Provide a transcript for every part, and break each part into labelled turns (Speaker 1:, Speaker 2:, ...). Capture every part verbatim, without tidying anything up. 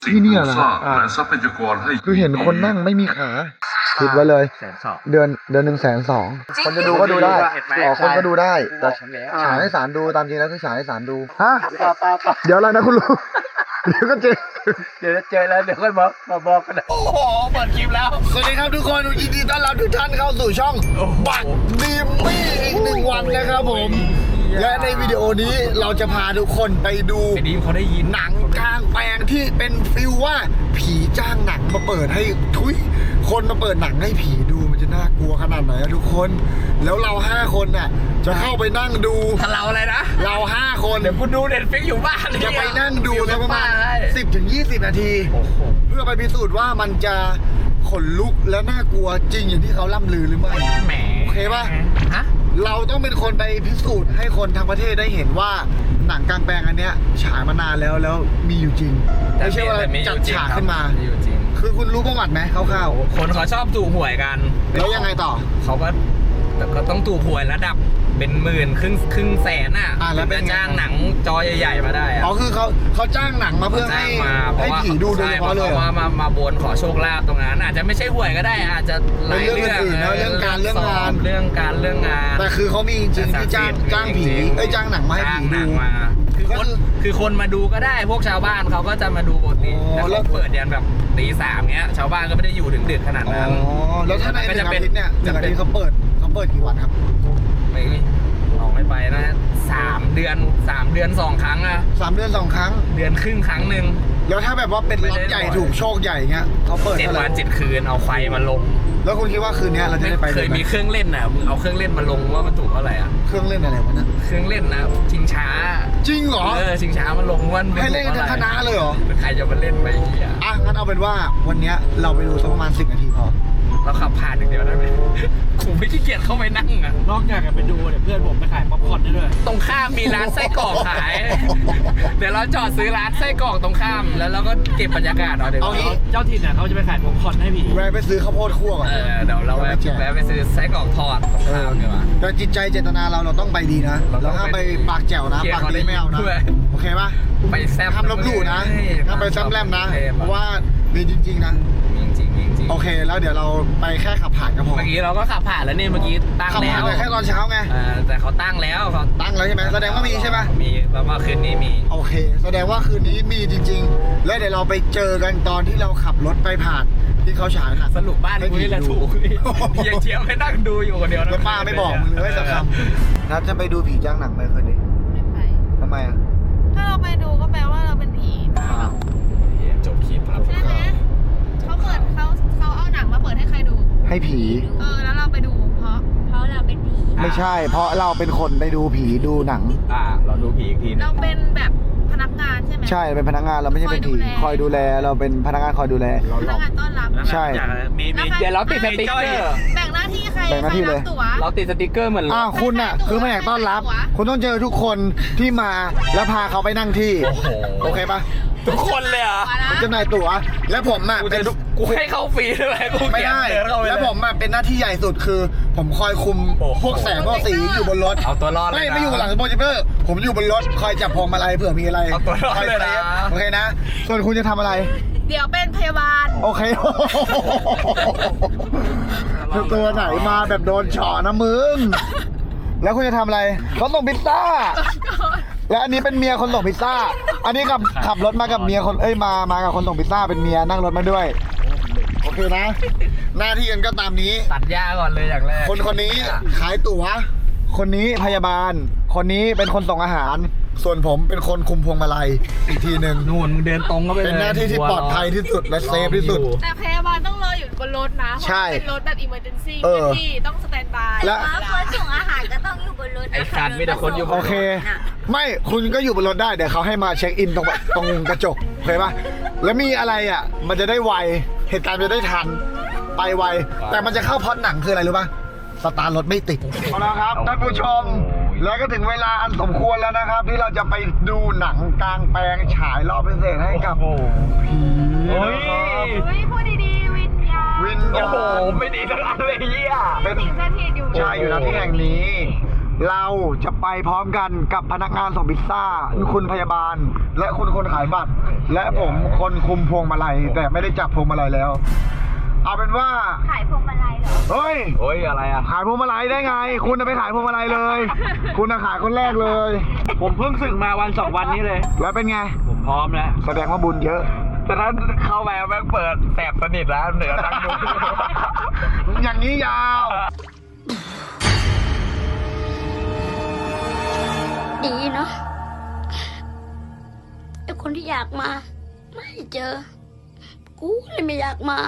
Speaker 1: ที่เนี่ยนะอ่า
Speaker 2: และทรัพยากรให้
Speaker 1: คือเห็นคนนั่งไม่มีขาคิดไว้เลย
Speaker 3: แสนสอง
Speaker 1: เดือนเดือนหนึ่งแสนสองคนจะดูก็ดูได้อ๋อคนก็ดูได้แต่
Speaker 3: ผมแล้ว
Speaker 1: ฉายให้ศาลดูตามจริงแล้วคือฉายให้ศาลดูฮะเดี๋ยวอะไรนะคุณลุงเดี๋ยวก็เจอ
Speaker 3: เดี๋ยวเจอแล้วเดี๋ยวค่อยบอกมาบอกกัน
Speaker 1: โอ้โหเปิดคลิปแล้วสวัสดีครับทุกคนยินดีต้อนรับทุกท่านเข้าสู่ช่องบักดีมมี่อีกหนึ่งวันนะครับผมและในวิดีโอนี้เราจะพาทุกคนไปดู
Speaker 3: ไอ้ดีมเขาได้ยิน
Speaker 1: หนังกลางแปลงที่เป็นฟิลว่าผีจ้างหนังมาเปิดให้ทุยคนมาเปิดหนังให้ผีดูมันจะน่ากลัวขนาดไหนอะทุกคน แล้วเราห้าคนน่ะจะเข้าไปนั่งดู
Speaker 3: ถ้าเราอะไรนะ
Speaker 1: เราห้าคน
Speaker 3: เดี๋ยวคุณดูเน็ตฟิกอยู่บ้าน
Speaker 1: จะไปนั่งดูในประมาณสิบถึงยี่สิบนาที
Speaker 3: โอ้โห
Speaker 1: เพื่อไปพิสูจน์ว่ามันจะขนลุกและน่ากลัวจริงอย่างที่เขาล่ำลือหรือไม่
Speaker 3: แหม
Speaker 1: โอเคปะ
Speaker 3: ฮะ
Speaker 1: เราต้องเป็นคนไปพิสูจน์ให้คนทั้งประเทศได้เห็นว่าหนังกลางแปลงอันเนี้ยฉายมานานแล้วแล้วมีอยู่จริงไม่ใช่ว่าจัดฉากขึ้นมา
Speaker 3: มีอยู่จริง
Speaker 1: คือคุณรู้ประวัติไหมคร่าว
Speaker 3: คนเขาชอบถูกหวยกัน
Speaker 1: ๆแล้วยังไงต่อ
Speaker 3: เขาก็แต่ก็ต้องถูกหวยระดับเป็นหมื่นครึ่งครึ่งแสนอ่ะ
Speaker 1: อ่ะแล้วเป็น
Speaker 3: จะ
Speaker 1: ไง
Speaker 3: จ้างหนังจอใหญ่ๆมาได้อะ
Speaker 1: อ๋อคือเขาเขาจ้างหนังมาเพื่อให้
Speaker 3: จ้างมาเพ
Speaker 1: ให้
Speaker 3: ราะว่า
Speaker 1: ผีดูโดยเฉพาะเลย
Speaker 3: ใช่
Speaker 1: เหรอ
Speaker 3: ว่ามามาบนขอโชคลาภตรงนั้นอาจจะไม่ใช่หวยก็ได้อาจจะหลาย
Speaker 1: เป็นเรื่
Speaker 3: เรื่
Speaker 1: อ
Speaker 3: อง ง
Speaker 1: อื่นๆนะเรื่องการเรื่องงาน
Speaker 3: เรื่องการเรื่องงาน
Speaker 1: แต่คือเขามีจริงๆที่จ้างจ้างผีเอ้ยจ้างหนังมาให้
Speaker 3: จ้าง
Speaker 1: ผี
Speaker 3: หนั
Speaker 1: ดู
Speaker 3: งมาคือ
Speaker 1: ก็
Speaker 3: คน
Speaker 1: คือ
Speaker 3: คือคนมาดูก็ได้พวกชาวบ้านเขาก็จะมาดูปกติ
Speaker 1: อ๋อ
Speaker 3: แต่
Speaker 1: แล้
Speaker 3: เขา
Speaker 1: ว
Speaker 3: เปิดยันแบบตีสามเงี้ยชาวบ้านก็ไม่ได้อยู่ถึงดึกขนาด
Speaker 1: อ๋อ
Speaker 3: นั้น
Speaker 1: แล้วถ้าในห
Speaker 3: ก็
Speaker 1: นึ่
Speaker 3: จะ
Speaker 1: ง
Speaker 3: เป็
Speaker 1: อาน ทิตย์เนี่ยหนึ่งอาทิตย์เขาเปิดเขาเปิดกี่วันครับ
Speaker 3: ไม่ออกไม่ไปนะสามเดือนสามเดือนสองครั้งอะ
Speaker 1: สามเดือนสองครั้ง
Speaker 3: เดือนครึ่งครั้งหนึ่ง
Speaker 1: แล้วถ้าแบบว่าเป็นล็อตใหญ่ถูกโชคใหญ่เงี้ยเขาเปิด
Speaker 3: เจ็ด
Speaker 1: เท่าไห
Speaker 3: วั
Speaker 1: ร่
Speaker 3: นเจ็ดคืนเอาไฟมาลง
Speaker 1: แล้วคุณคิดว่าคืนนี้เราจะได้ไป
Speaker 3: เคย
Speaker 1: ไห
Speaker 3: มีเครื่องเล่นน่ะมึงเอาเครื่องเล่นมาลงว่ามันถูกเท่าไหร่อ่ะ
Speaker 1: เครื่องเล่นอะไรวะเนี่ย
Speaker 3: เครื่องเล่นนะชิงช้า
Speaker 1: จริงเหรอ
Speaker 3: เออชิงช้ามาลงว่ามั
Speaker 1: ให้เล่นกันทั้งคณะเลยเหรอ
Speaker 3: ใครจะมาเล่นไปเหี้ย
Speaker 1: อ่ะงั้นเอาเป็นว่าวันเนี้ยเราไปดูสักประมาณสิบนาทีพอ
Speaker 3: เราขับผ่านอย่างเดียวได้ไหมกูไม่ขี้เกียจเข้าไปนั่งอ่ะ
Speaker 4: นอกจากจะไปดูเนี่ยเพื่อนผมไปขายป๊อปคอร์นได้ด้วย
Speaker 3: ตรงข้ามมีร้านไส้กรอกขาย เดี๋ยวเราจอดซื้อร้านไส้กรอกตรงข้ามแล้วเราก็เก็บบรรยากาศเอาเดี๋ยว
Speaker 1: เอางี้
Speaker 4: เจ้าถิ่นเนี่ยเขาจะไปขายป๊อปคอร์นให้ผี
Speaker 1: แวะไปซื้อข้าวโพดคั่วก่อน
Speaker 3: เออเดี๋ยวเราแวะแวะไปซื้อไส้กรอกทอดตรงข้ามดีกว่า
Speaker 1: แต่จิตใจเจตนาเราเราต้องไปดีนะ
Speaker 3: เราต้
Speaker 1: เรา
Speaker 3: อง
Speaker 1: ห้ามไป
Speaker 3: ไปดี
Speaker 1: ปากแจ๋วนะ
Speaker 3: เกลียด
Speaker 1: ปากดีไม่เอานะ
Speaker 3: เขาได้ยินด้วย
Speaker 1: โอเคปะ
Speaker 3: ไปแซบ
Speaker 1: ห้ามลบหลู่นะห้ามไปซ้ำแลมนะ เพราะว่ามีจริงๆนะ
Speaker 3: จริงจริงจริงจริง
Speaker 1: โอเคแล้วเดี๋ยวเราไปแค่ขับผ่านก็พอ
Speaker 3: เมื่อกี้เราก็ขับผ่านแล้วนี่เมื่อกี้ตั้ง
Speaker 1: ขับ
Speaker 3: แล้
Speaker 1: ผ่าน
Speaker 3: ว
Speaker 1: ไปแค่ตอนเช้าไง
Speaker 3: เออแต่เขาตั้งแล้วเขา
Speaker 1: ตั้งแล้วใช่ไหมแสดงว่ามีใช่ไหม
Speaker 3: มีแปลว่าคืนนี้มี
Speaker 1: โอเค แสดงว่าคืนนี้มีจริงๆ แล้วเดี๋ยวเราไปเจอกันตอนที่เราขับรถไปผ่านที่เขาฉายหนัง
Speaker 3: สรุปบ้านกูนี่แหละถูกยังเชียร์ไม่นั่งดูอยู่คนเดียว
Speaker 1: แล้วป้าไม่บอกมึงเลยสักคำนัดจะไปดูผีจ้างหนังไหมคืนนี้
Speaker 5: ไม่ไป
Speaker 1: ทำไมอ่ะ
Speaker 5: ถ้าเราไปดูก็แปลว่าเราเป็นผี
Speaker 3: จบคลิปครับ
Speaker 5: ใช่ไหมเขาเปิดเขาเขาเอาหนังมาเปิดให้ใครดู
Speaker 1: ให้ผี
Speaker 5: เออ แล้วเราไปดูเพราะ เพราะเราเป็นผี
Speaker 1: ไม่ใช่ เพราะเราเป็นคนไปดูผีดูหนัง
Speaker 3: อ่าเราดูผีอีกทีนึ
Speaker 5: เรา
Speaker 3: ง
Speaker 5: เป็นแบบพนักงานใช่ไหม
Speaker 1: ใช่เป็นพนักงานเราไม่ใช่เป็นผีค
Speaker 5: ค
Speaker 1: อ
Speaker 5: อย ยดู
Speaker 1: ดูแล
Speaker 5: แล
Speaker 1: เราเป็นพนักงานคอยดูแล
Speaker 5: พนักงานต้อนรับ
Speaker 1: ใช่
Speaker 4: มีมี
Speaker 3: เดี๋ยวเราติดสติ๊กเกอร์
Speaker 5: แบ่งหน้าที่ใคร
Speaker 1: แบ่งหน้าที่เลย
Speaker 5: ใครรับตั๋ว
Speaker 3: เราติดสติ๊กเกอร์เหมือน
Speaker 1: อ้าวคุณอ่ะ คือไม่อยากต้อนรับ คุณต้องเจอทุกคนที่มาแล้วพาเขาไปนั่งที่
Speaker 3: โอ้โห
Speaker 1: โอเคปะ
Speaker 3: ทุกคนเลยเหรอ่ะ
Speaker 1: ผมจำหน่ายตั๋วและผมอ่ะ
Speaker 3: กู
Speaker 1: เป็
Speaker 3: จะ
Speaker 1: น
Speaker 3: กูให้เข้าฟรีได้ไหมกู
Speaker 1: ไม่ได้
Speaker 3: เดินเข้าไป
Speaker 1: แล้วผมอะเป็นหน้าที่ใหญ่สุดคือ ผมคอยคุม
Speaker 3: โอ้โห
Speaker 1: พวกแสงพวกสีอยู่บนรถ
Speaker 3: เอาตัวรอดเลย
Speaker 1: ไม่
Speaker 3: นะ
Speaker 1: ไม่อยู่หลังโปรเจคเตอร์ผมอยู่บนรถคอยจับพวงมาลัยเผื่อมีอะไร
Speaker 3: เอาตัวรอด
Speaker 1: คอย
Speaker 3: เลยนะ
Speaker 1: ซฟโอเคนะ ส่วนคุณจะทำอะไร
Speaker 5: เดี๋ยวเป็นพยาบาล
Speaker 1: โอเคตัวไหนมาแบบโดนเฉาะนะมึง แล้วคุณจะทำอะไรเขาส่งพิซซ่า และอันนี้เป็นเมียคนส่งพิซซ่า อันนี้ขับขับรถมากับเมียคนเอ้ยมามากับคนส่งพิซซ่าเป็นเมียนั่งรถมาด้วย โอเคนะ หน้าที่กันก็ตามนี้
Speaker 3: ตัดหญ้าก่อนเลยอย่างแรก
Speaker 1: คนคนนี้ขายตั๋ว คนนี้พยาบาล คนนี้เป็นคนส่งอาหาร ส่วนผมเป็นคนคุมพวงมาลัยอีกทีหนึ่ง
Speaker 3: นู่นมึงเดินตรงก็ไปเลย
Speaker 1: เป็นหน้าที่ที่ปลอดภัยที่สุดและเซฟที่สุด
Speaker 5: แต่พยาบาลต้องรออยู่บนรถนะ เพ
Speaker 1: ใช่
Speaker 5: ราะว่าเป็นรถแบบอิมเมอร์เจนซี่
Speaker 1: เออ
Speaker 5: ที่ต้องสแตนบาย
Speaker 1: และ
Speaker 6: คนส่งอาหารก็ต้องอยู่บนรถ
Speaker 3: ไอ้สัตว์มีแต่คนอยู่บน
Speaker 1: โอ
Speaker 3: รถ
Speaker 1: เค ไม่คุณก็อยู่บนรถได้เดี๋ยวเขาให้มาเช็คอินตรงตรงกระจกโอเคปะแล้วมีอะไรอ่ะ มันจะได้ไวเหตุการณ์มันจะได้ทันไปไวแต่มันจะเข้าพล็อตหนังคืออะไรรู้ปะสตาร์ทรถไม่ติดเอาละครับท่านผู้ชม แล้วก็ถึงเวลาอันสมควรแล้วนะครับ ที่เราจะไปดูหนังกลางแปลงฉายรอบพิเศษให้กับผี
Speaker 3: โอ้ย
Speaker 5: เฮ้ยพูดดีๆ วิญญาณ
Speaker 1: วิญ
Speaker 3: โอ้
Speaker 1: ญา
Speaker 3: โห
Speaker 1: ณ
Speaker 3: ไม่ดีทั้งอันเลยเหี้ย
Speaker 1: เป็น
Speaker 5: สิ่งสถิตอยู่
Speaker 1: ใช่อยู่ณที่แห่งนี้เราจะไปพร้อมกันกับพนักงานส่งพิซซ่าคุณพยาบาล และคุณคนขายบัตร และผมคนคุมพวงมาลัยแต่ไม่ได้จับพวงมาลัยแล้ว เอาเป็นว่า
Speaker 6: ขายพวงมาลัยเหรอ
Speaker 1: เฮ้ย
Speaker 3: โอ้ยอะไรอ่ะ
Speaker 1: ขายพวงมาลัยได้ไง คุณจะไปขายพวงมาลัยเลย คุณจะขายคนแรกเลย
Speaker 4: ผมเพิ่งสึกมาวันสองวันนี้เลย
Speaker 1: แล้วเป็นไง
Speaker 4: ผมพร้อมแล้ว
Speaker 1: แสดงว่าบุญเยอะ
Speaker 3: แต่ถ้าเข้าไปแม่งเปิดแสบสนิทแล้วเหนือนั่งดู
Speaker 1: อย่างนี้ยาว
Speaker 2: ดีเนาะไอคนที่อยากมา ไม่เจอ กูเลยไม่อยากมา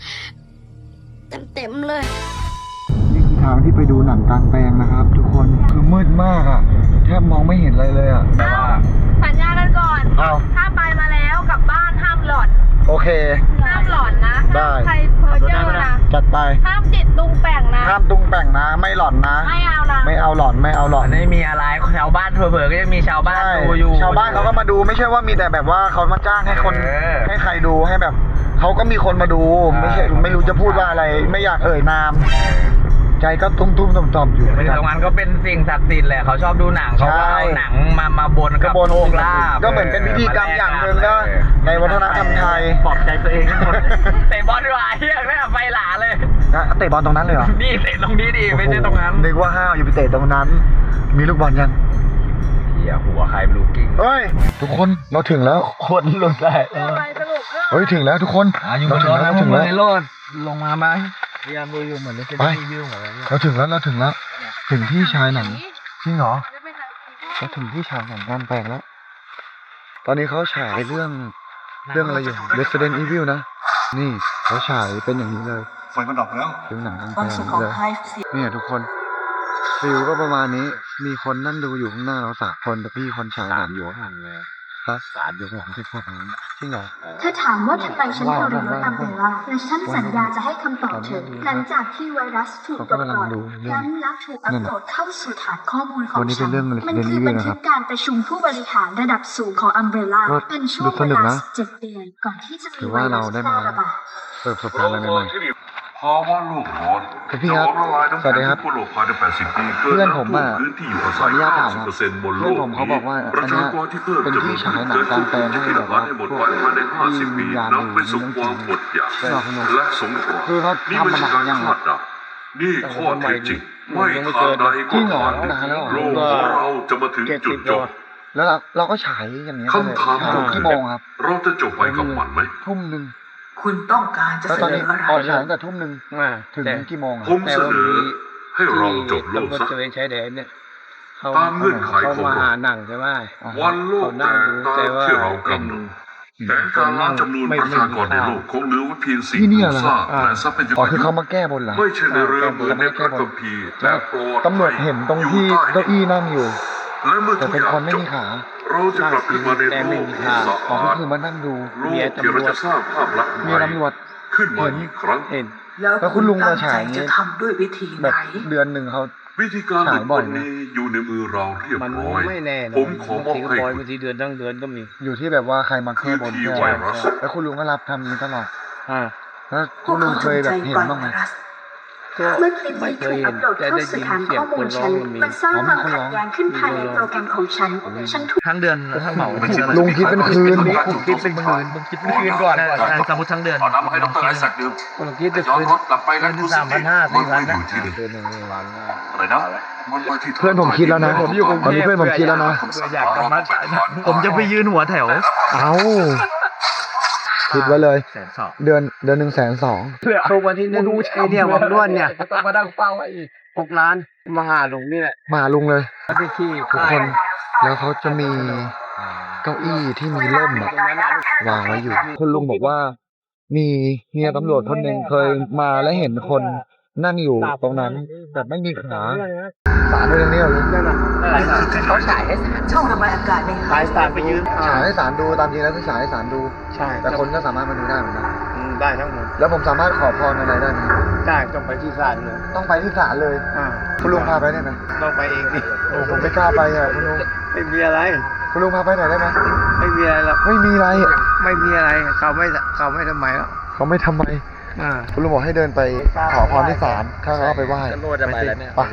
Speaker 2: เต็มๆเลย
Speaker 1: นี่คือทางที่ไปดูหนังกลางแปลงนะครับ ทุกคนคือมืดมากอะแทบมองไม่เห็นอะไรเลยอะ
Speaker 3: แต่ว่า
Speaker 5: สัญญากันก่อน
Speaker 1: อ้าว
Speaker 5: ถ้าไปมาแล้วกลับบ้านห้ามหลอน
Speaker 1: โอเค
Speaker 5: ห้ามหลอนนะ
Speaker 1: ได้
Speaker 5: ห้ามใครเพ้อเจ้อนะ
Speaker 1: จัดไป
Speaker 5: ห้ามจิตตุงแป่งนะ
Speaker 1: ห้ามตุงแป่งนะ ไม่หลอนนะ
Speaker 5: ไม่เอานะ
Speaker 1: ไม่เอาหลอนไม่เอาหลอน
Speaker 3: ไม่มีอะไรชาวบ้านเผลอๆก็ยังมีชาวบ้าน
Speaker 1: ใช่
Speaker 3: ดูอยู่
Speaker 1: ชาวบ้านเขาก็มาดูไม่ใช่ว่ามีแต่แบบว่าเขามาจ้างให้คน
Speaker 3: เออ
Speaker 1: ให้ใครดูให้แบบเขาก็มีคนมาดู ไม่ใช่ไม่รู้จะพูดว่าอะไร ไม่อยากเอ่ยนาม ใจก็ตุ้มตุ้มต่อมต่อมอยู่
Speaker 3: ไม่ตรงนั้นก็เป็นสิ่งศักดิ์สิทธิ์แหละเขาชอบดูหนังเขาก็เอาหนังมามาบน
Speaker 1: ก
Speaker 3: กั
Speaker 1: ระ
Speaker 3: บบ
Speaker 1: วน
Speaker 3: โชคลาภ
Speaker 1: ก็เหมือนเป็นพิธีกรรมอย่างหนึ่งนะในวัฒนธรรมไทย
Speaker 4: ปลอบใจตัวเองทั้งหมด
Speaker 3: เตะบอลดีกว่าเฮียแม่งไฟหลาเลย
Speaker 1: นะเตะบอลตรงนั้นเลยเหรอ
Speaker 3: นี่เตะตรงนี้ดิไม่ใช่ตรงนั้น
Speaker 1: นึกว่าห้าวอยู่ไปเตะตรงนั้น มีลูกบอลยัง
Speaker 3: เฮียหัวใครไม่รู้กิ้ง
Speaker 1: เฮ้ย ทุกคนเราถึงแล้ว
Speaker 3: คนหลุดได้
Speaker 5: ไปสรุปเรื่อง
Speaker 1: เฮ้ยถึงแล้วทุกคน
Speaker 3: อยู่บ
Speaker 1: เรา
Speaker 3: น
Speaker 1: ถึ
Speaker 3: รง ถ
Speaker 1: แล้ว
Speaker 3: นะ
Speaker 1: เรา
Speaker 3: พว
Speaker 1: ถึ
Speaker 3: ก
Speaker 1: ง
Speaker 3: มึ
Speaker 1: แล้ว
Speaker 3: งในรถลงมาไหม
Speaker 4: พยายามดูอยู่เหมือนจะ
Speaker 1: ไป
Speaker 4: รีวิวเหมือนกัน
Speaker 1: เราถึงแล้วเราถึงแล้ว ถึงที่ชายหนังจริงเหรอ
Speaker 5: จะไปทาง
Speaker 1: เราถึงที่ฉายหนังกลางแปลงแล้ว ตอนนี้เขาฉายเรื่องเรื่องอะไรอยู่ Resident Evil นะ นี่เขาฉายเป็นอย่างนี้เลยไฟมันดับแล้วดูหนังกลางแปลงเลยเนี่ยทุกคนฟิลก็ประมาณนี้ มีคนนั่งดูอยู่ข้างหน้าเราสามคนแต่พี่คนฉายหนังอยู่ข้างหลังเลยฮะสามอยู่ข้างหลังที่พวกนั้นจริงเหรอ
Speaker 7: เธอถามว่าทำไมฉันทรยศอัมเบร่าและฉันสัญญาจะให้คำตอบเธอ หลังจากที่ไวรัสถูกปลดปล่อยนั้นและถูกอัปโหลดเข้าสู่ฐานข้อมูลของ
Speaker 1: วันนี้เป็
Speaker 7: ฉั
Speaker 1: น
Speaker 7: น
Speaker 1: เรื่อง
Speaker 7: มัน
Speaker 1: Resident
Speaker 7: คือ
Speaker 1: Evil
Speaker 7: บัน
Speaker 1: นะค
Speaker 7: ทึ
Speaker 1: รับ
Speaker 7: กการประชุมผู้บริหารระดับสูงของอัมเบร่า
Speaker 1: ก็
Speaker 7: เป็นช่ว
Speaker 1: ดู
Speaker 7: ง
Speaker 1: ส
Speaker 7: เว
Speaker 1: นุก
Speaker 7: ลา
Speaker 1: นะ
Speaker 7: สิบเจ็ดเดือนก่อนที่จะ
Speaker 1: ถื
Speaker 7: มี
Speaker 1: อ
Speaker 7: ไว
Speaker 1: ว่า
Speaker 7: รั
Speaker 1: เรา
Speaker 7: ส
Speaker 1: ได้
Speaker 7: แพร่
Speaker 1: มา
Speaker 7: ระบาด
Speaker 1: เปิดประสบการณ์อะไรใหม่
Speaker 8: ภาวะโลกร้อน
Speaker 1: ๆคุณพี่ครับ
Speaker 8: จะล้มละลายน้ำ
Speaker 1: สวัสดี
Speaker 8: แข็ง
Speaker 1: ครับ
Speaker 8: ทั่วโลกภายในแปดสิบปีเกิ
Speaker 1: เพื่อนผมอะ
Speaker 8: พื้นที่อยู่อา
Speaker 1: ขอ
Speaker 8: ศั
Speaker 1: อย นุญาตถามครับ
Speaker 8: เก้าสิบเปอร์เซ็นต์บนโล
Speaker 1: เพื่อก นผมเขาบอกว่า
Speaker 8: ประ
Speaker 1: อันเนี้
Speaker 8: ชาย กรที่เพิ่ม
Speaker 1: เป็นที่ฉายหนังกลางแปลงให้แบบว่า
Speaker 8: ให้หมด
Speaker 1: พว
Speaker 8: ไป
Speaker 1: ก
Speaker 8: ภายในห้าสิบปี
Speaker 1: วิญญาณ
Speaker 8: นำไปสู่ความอดอยาก
Speaker 1: ใช่หรอคุณลุง
Speaker 8: และสงคราม
Speaker 1: คือเขา
Speaker 8: นี่
Speaker 1: ทำ
Speaker 8: ไม่
Speaker 1: มา
Speaker 8: ใช่
Speaker 1: นาน
Speaker 8: การ
Speaker 1: ยัง
Speaker 8: คาดเดานี่ข้อเท็จจริงไม่ทางใด
Speaker 1: จริ
Speaker 8: ก็
Speaker 1: งเหรอ
Speaker 8: ทางหนึ่ง
Speaker 1: นานแล้วเหรอ
Speaker 8: โลกของเราจะมาถึงจุดจบ
Speaker 1: แล้วเราเราก็ฉายอย่างเงี้ยเลย
Speaker 8: คำถาม
Speaker 1: ฉาย
Speaker 8: ก็
Speaker 1: กี่
Speaker 8: คือ
Speaker 1: โมงครับ
Speaker 8: เราจะจบไปกับมันไหม
Speaker 1: ทุ่มหนึ่ง
Speaker 9: คุณต้องการจะ
Speaker 1: แล้ว
Speaker 9: เส
Speaker 1: ตอน
Speaker 9: น
Speaker 1: นี้
Speaker 9: ออะไร
Speaker 1: ออกฉายตั้งแต่ทุ่มหนึ่ง
Speaker 4: อ่า
Speaker 1: ถึง
Speaker 4: แต่
Speaker 1: กี่โมงอะ
Speaker 8: ผมเสนอให้เราจบโลก
Speaker 4: ตำรวจ
Speaker 8: ซะ
Speaker 4: ตระเวนชายแดนเนี่ยเขา
Speaker 8: ตามเงื่อนไข
Speaker 4: เขา
Speaker 8: ของ
Speaker 4: มา
Speaker 8: เรา
Speaker 4: หาหนังใช่ไหม
Speaker 8: วันโลกแตกตามที่เรากำหนดแผนการล้างจำนวนประชากรในโลกคงเหลือไว้เพียงสิ่ง
Speaker 1: ที่เนี่ย
Speaker 8: ปลู
Speaker 1: เหร
Speaker 8: ก
Speaker 1: อ
Speaker 8: สร้างและทรัพยา
Speaker 1: อ๋อก
Speaker 8: ร
Speaker 1: คือเขามาแก้บนเหรอ
Speaker 8: ไม่ใช่ในเรือเหมือนในพระคัมภีร์แต่โปรด
Speaker 1: ตำรวจเห็นตรงที่เก้าอี้นั่งอยู่
Speaker 8: และเมื่อ
Speaker 1: แต่
Speaker 8: ทุก
Speaker 1: เป็น
Speaker 8: อย่าง
Speaker 1: คนไม่
Speaker 8: จบ
Speaker 1: มีขา
Speaker 8: เราจะกลับขึ้นมาในโลกที่สะ
Speaker 1: อ๋อ
Speaker 8: อา
Speaker 1: ก็
Speaker 8: ด
Speaker 1: คือมานั่งดู
Speaker 8: โลกที่เราจะสร้างภาพลักษณ์ให
Speaker 1: มี
Speaker 8: ม่
Speaker 1: ตำรวจ
Speaker 8: ขึ้นมาอีกครั้ง
Speaker 4: เห็น
Speaker 9: แล้ว
Speaker 1: แล้วคุณลุงมาฉาย
Speaker 9: ตั้งใจจะทำด้วยวิธี
Speaker 1: แบ
Speaker 9: ไห
Speaker 1: บ
Speaker 9: น
Speaker 1: เดือนหนึ่งเขา
Speaker 8: วิธีการหลุด
Speaker 1: ฉายบ่
Speaker 8: พ้
Speaker 1: อย
Speaker 8: น
Speaker 1: ไหม
Speaker 8: นี้อยู่ในมือเราเรียบ
Speaker 4: มัน
Speaker 8: ร้อย
Speaker 4: ไม่แน่นะ
Speaker 8: ผมขอมอบ
Speaker 4: ทีก็
Speaker 8: ให้
Speaker 4: ปล่อย
Speaker 8: คุณ
Speaker 4: บางทีเดือนตั้งเดือนก็มี
Speaker 1: อยู่ที่แบบว่าใครมาแก้บน
Speaker 8: คือที่
Speaker 1: แค่
Speaker 8: ไวรัส
Speaker 1: แล้วคุณลุงก็รับทำนี้ตลอด
Speaker 4: อ่า
Speaker 1: แล้ว
Speaker 9: พ
Speaker 1: คุ
Speaker 9: วก
Speaker 1: ณลุ
Speaker 9: เขา
Speaker 1: ง
Speaker 9: จ
Speaker 1: เค
Speaker 9: ง
Speaker 1: ยแบ
Speaker 9: ใจ
Speaker 1: บเห็น
Speaker 9: ปล่อย
Speaker 1: บ้างไห
Speaker 9: ไว
Speaker 1: ม
Speaker 9: รัส
Speaker 4: ก็
Speaker 7: เมื่อคลิป
Speaker 4: ไม่
Speaker 7: นี้
Speaker 4: เค
Speaker 7: ถู
Speaker 4: ย
Speaker 7: ก
Speaker 4: เห็
Speaker 7: อั
Speaker 4: น
Speaker 7: ปโหลด
Speaker 4: แต่
Speaker 7: เข้า
Speaker 4: ได้
Speaker 7: สู่
Speaker 4: ยิน
Speaker 7: ฐาน
Speaker 4: เสีย
Speaker 7: ข้
Speaker 4: ง
Speaker 7: อมู
Speaker 4: คน
Speaker 7: ล
Speaker 4: ร้อ
Speaker 7: ฉั
Speaker 4: ง
Speaker 7: น
Speaker 4: มันมี
Speaker 7: มันสร้างความ
Speaker 1: อ๋อมีคนร้
Speaker 7: ขั
Speaker 1: อ
Speaker 7: ด
Speaker 1: ง
Speaker 7: แย้งขึ้นภายในโปรแกรมของฉัน ฉันถูก
Speaker 3: ทั้งเดือนทั้งเหมา
Speaker 1: ลุงคิดเป็นคืน
Speaker 3: ผมคิดเป็นหมื่นผมคิดเป็นคืนก่อนสมมติทั้งเดือน
Speaker 8: เอาน้ำมาให้ดรไอแซคดื่ม
Speaker 4: ผมคิดจะ
Speaker 8: ย้อน
Speaker 4: คืน
Speaker 8: รถกลับไปแล้ว
Speaker 4: คืนสามพันห้าสี่พันนะ
Speaker 8: อยู่ที่เดิม
Speaker 4: คืนหนึ่งวันนะ
Speaker 8: อะไรนะมันมาที่
Speaker 1: เพื่อนผมคิดแล้วนะ
Speaker 4: ผมอยู่กรุง
Speaker 1: ตอน
Speaker 4: เท
Speaker 1: นี้
Speaker 4: พ
Speaker 1: เพื่อนผมคิดแล้วนะ
Speaker 4: อยากกลับมาฉายหนังผมจะไปยืนหัวแถว
Speaker 1: เอาคิดไว้เลย
Speaker 4: แสนสอง
Speaker 1: เดือนเดือนหนึ่งแสนสอง
Speaker 4: เพื่อทุกวันที่หนึ่งไอเนี่ยวังล้วนเนี่ยต้องมาดังเป้าไว้อีกหกล้านมาหาหลวงนี่แหละ
Speaker 1: มาลุงเลย
Speaker 4: ที่ที่
Speaker 1: ทุกคน แล้วเขาจะมีเก้าอี้ที่มีร่มอะวางไว้อยู่ คุณลุงบอกว่า มีเฮียตำรวจคนหนึ่งเคยมาและเห็นคนนั่งอยู่ตรงนั้นแต่ไม่มีขาสารเรื่องนี้เหรอลุง
Speaker 9: เขาฉายให้ช่องระบายอากาศใน
Speaker 4: สายสารไปยืน
Speaker 1: ฉายให้สารดูตามจริงแล้วคือฉายให้สารดู
Speaker 4: ใช่
Speaker 1: แต่คนก็สามารถมาดูได้เหมือนกัน
Speaker 4: อืมได้ทั้งหมด
Speaker 1: แล้วผมสามารถขอพรอะไรได้ไหม
Speaker 4: ได้ต้องไปที่ศาลเลย
Speaker 1: ต้องไปที่ศาลเลย
Speaker 4: อ่า
Speaker 1: คุณลุงพาไปได้ไหม
Speaker 4: ต้องไปเองดิ
Speaker 1: โอ้ผมไม่กล้าไปอ่ะคุณลุง
Speaker 4: ไม่มีอะไร
Speaker 1: คุณลุงพาไปหน่อยได้ไหม
Speaker 4: ไม่มีอะไรหรอก
Speaker 1: ไม่มีอะไร
Speaker 4: ไม่มีอะไรเขาไม่เขาไม่ทำไมหรอก
Speaker 1: เขาไม่ทำไม
Speaker 4: อ่า
Speaker 1: คุณลุงบอกให้เดินไปขอพรที่ศาลข้าก็เอาไปไหว้
Speaker 4: จะโลดจะไปแล้วเนี่ย
Speaker 1: ไป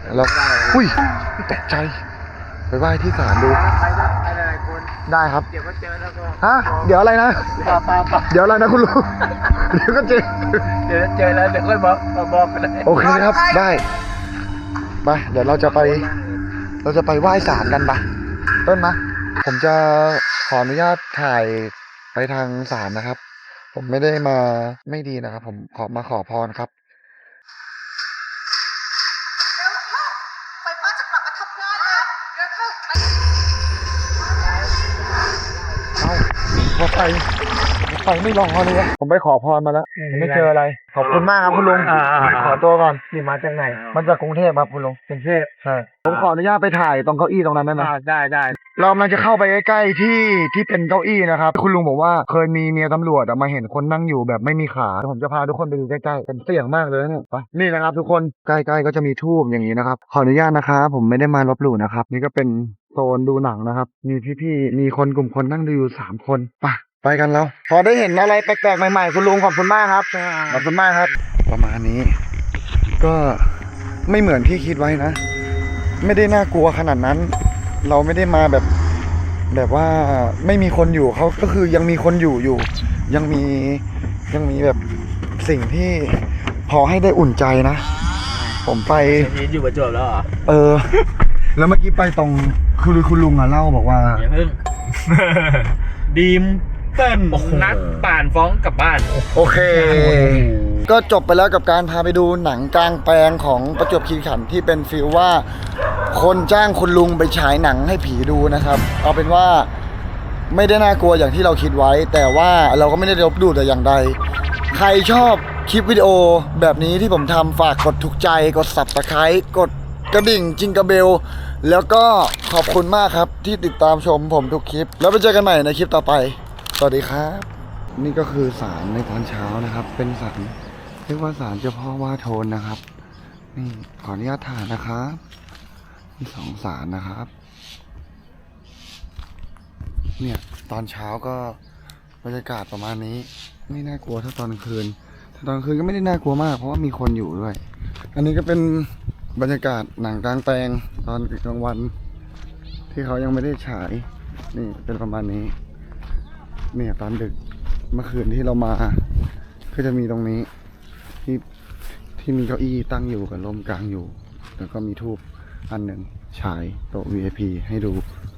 Speaker 1: แล้วอุ้ยตกใจไปไหว้ที่ศาลดู
Speaker 4: ไปได้ไปหลายๆคน
Speaker 1: ได้ครับ
Speaker 4: เดี๋ยวก็เจอแล้วก็
Speaker 1: ฮะเดี๋ยวอะไรนะ
Speaker 4: ปาปาปา
Speaker 1: เดี๋ยวอะไรนะคุณลุง เดี๋ยวก็เจอ
Speaker 4: เดี๋ยวเจอแล้วเดี๋ยวค่อยบอกมาบอกกันเลย
Speaker 1: โอเคครับได้ไปเดี๋ยวเราจะไป เราจะไปไหว้ศาลกันปะเต้นมะผมจะขออนุญาตถ่ายไปทางศาลนะครับ ผมไม่ได้มาไม่ดีนะครับ ผมขอมาขอพรครับ
Speaker 6: ไฟฟ้าจะกลับมาทำงานแล้วเดี๋ยวเข้าไป
Speaker 1: เอ้ารถไฟรถไฟไม่รอเลยอะผมไปขอพรมาแล้วไม่เจออะไร ขอบคุณมากครับคุณลุงขอตัวก่อน
Speaker 4: นี่มาจากไหน
Speaker 1: มันจากกรุงเทพครับคุณลุง
Speaker 4: กรุงเทพ
Speaker 1: ใช่ผมขออนุญาตไปถ่ายตรงเก้าอี้ตรงนั้นได้ไหม
Speaker 4: อ่าได้ได้
Speaker 1: เรากำลังจะเข้าไปใกล้ๆที่ที่เป็นเก้าอี้นะครับคุณลุงบอกว่าเคยมีเมียตำรวจอะมาเห็นคนนั่งอยู่แบบไม่มีขาผมจะพาทุกคนไปดูใกล้ๆเป็นเสี่ยงมากเลยนะเนี่ยไปนี่นะครับ ทุกคนใกล้ๆก็จะมีทูบอย่างนี้นะครับขออนุญาตนะครับผมไม่ได้มาลบหลู่นะครับนี่ก็เป็นโซนดูหนังนะครับมีพี่ๆมีคนกลุ่มคนนั่งดูอยู่สามคนไปไปกันแล้วพอได้เห็นอะไรแปลกๆใหม่ๆคุณลุงขอบคุณมากครับขอบคุณมากครับ ประมาณนี้ ก็ไม่เหมือนที่คิดไว้นะ ไม่ได้น่ากลัวขนาดนั้น เราไม่ได้มาแบบแบบว่าไม่มีคนอยู่เขาก็คือยังมีคนอยู่อยู่ ยังมียังมีแบบสิ่งที่พอให้ได้อุ่นใจนะ ผมไป
Speaker 3: นี่อยู่ประจวบแล้วเหรอ
Speaker 1: เออ แล้วเมื่อกี้ไปตรงคือคุณลุงอ่ะเล่าบอกว่า
Speaker 3: อย่าเพิ่ง ดีมเติ้ลนัดป่านฟ้องกลับบ้าน
Speaker 1: โอเค ก็จบไปแล้วกับการพาไปดูหนังกลางแปลงของประจวบคีรีขันธ์ที่เป็นฟีลว่า คนจ้างคุณลุงไปฉายหนังให้ผีดูนะครับ เอาเป็นว่าไม่ได้น่ากลัวอย่างที่เราคิดไว้ แต่ว่าเราก็ไม่ได้ลบหลู่แต่อย่างใด ใครชอบคลิปวิดีโอแบบนี้ที่ผมทำฝากกดถูกใจกด ซับสไครบ์ กดกระดิ่งจิงกระเบล แล้วก็ขอบคุณมากครับที่ติดตามชมผมทุกคลิป แล้วไปเจอกันใหม่ในคลิปต่อไปสวัสดีครับ นี่ก็คือศาลในตอนเช้านะครับ เป็นศาลเรียกว่าศาลเจ้าพ่อว่าโทนนะครับนี่ขออนุญาตถ่ายนะครับมีสองศาลนะครับ เนี่ยตอนเช้าก็บรรยากาศประมาณนี้ไม่น่ากลัวถ้าตอนกลางคืนถ้าตอนกลางคืนก็ไม่ได้น่ากลัวมากเพราะว่ามีคนอยู่ด้วย อันนี้ก็เป็นบรรยากาศหนังกลางแปลงตอนกลางวัน ที่เขายังไม่ได้ฉายนี่เป็นประมาณนี้เนี่ยตอนดึกเมื่อคืนที่เรามาก็จะมีตรงนี้ที่ที่มีเก้าอี้ตั้งอยู่กับลมกลางอยู่แล้วก็มีทูบอันหนึ่งฉายโต๊ะ วี ไอ พี ให้ดู